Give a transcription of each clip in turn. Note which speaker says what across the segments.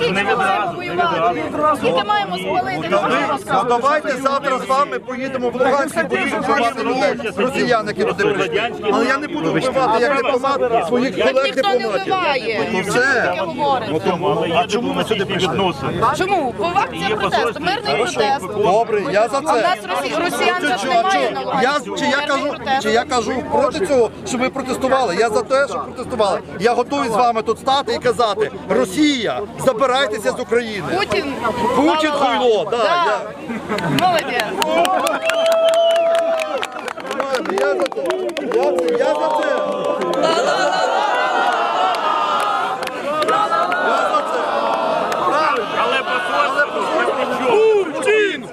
Speaker 1: Скільки ми маємо воювати? Скільки маємо спалити?
Speaker 2: Ну давайте завтра з вами поїдемо в Луганськ і будемо вбивати людей, росіян, які туди прийшли. Але я не буду вбивати як дипломат своїх колег
Speaker 1: Ніхто не
Speaker 2: дипломатів.
Speaker 1: вбиває.
Speaker 2: Ну все.
Speaker 1: Таке говорить.
Speaker 2: А чому ви сюди прийшли?
Speaker 1: Чому? Бо акція протесту, мирний протест.
Speaker 2: Добре, я за
Speaker 1: А в нас
Speaker 2: це.
Speaker 1: росіян же ж немає на Луганську.
Speaker 2: Чи я кажу проти цього, щоб ви протестували? Я за те, щоб протестували. Я готовий з вами тут стати і казати: Росія, забирайтеся з України.
Speaker 1: Путін.
Speaker 2: Путін хуйло,
Speaker 1: Да.
Speaker 2: да.
Speaker 1: Молодець.
Speaker 2: Я за це. Я за це.
Speaker 3: Але Путін!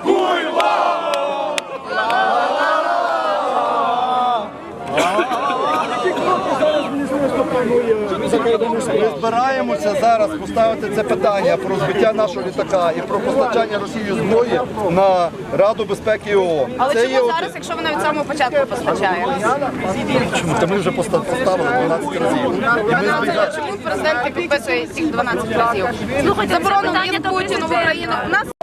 Speaker 2: Ми збираємося зараз поставити це питання про збиття нашого літака і про постачання Росії зброї на Раду безпеки ООН.
Speaker 1: Але
Speaker 2: Це є
Speaker 1: чому
Speaker 2: от-
Speaker 1: зараз, якщо вона від самого початку постачає?
Speaker 2: Чому? Та ми вже поставили 12 разів. І ми збігаємо.
Speaker 1: Чому президент не підписує цих 12 разів? Заборонено їм Путіну в Україну. У нас